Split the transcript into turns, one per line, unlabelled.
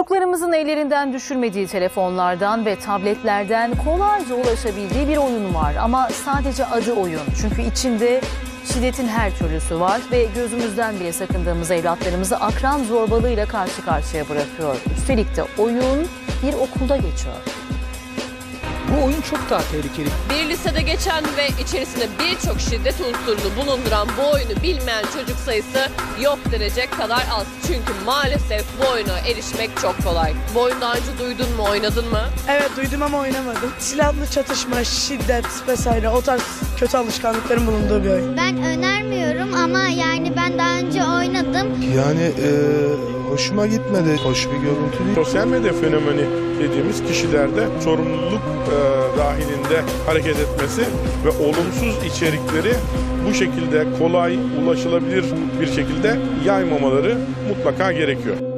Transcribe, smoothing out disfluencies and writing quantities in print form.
Çocuklarımızın ellerinden düşürmediği telefonlardan ve tabletlerden kolayca ulaşabildiği bir oyun var. Ama sadece adı oyun. Çünkü içinde şiddetin her türlüsü var ve gözümüzden bile sakındığımız evlatlarımızı akran zorbalığıyla karşı karşıya bırakıyor. Üstelik de oyun bir okulda geçiyor.
Bu oyun çok daha tehlikeli.
Bir lisede geçen ve içerisinde birçok şiddet unsurunu bulunduran bu oyunu bilmeyen çocuk sayısı yok denecek kadar az. Çünkü maalesef bu oyuna erişmek çok kolay. Bu oyunu daha önce duydun mu, oynadın mı?
Evet duydum ama oynamadım. Silahlı çatışma, şiddet vesaire o tarz kötü alışkanlıkların bulunduğu bir oyun.
Ben önermiyorum ama yani ben daha önce oynadım.
Yani hoşuma gitmedi. Hoş bir görüntü değil.
Sosyal medya fenomeni dediğimiz kişilerde sorumluluk dahilinde hareket etmesi ve olumsuz içerikleri bu şekilde kolay ulaşılabilir bir şekilde yaymamaları mutlaka gerekiyor.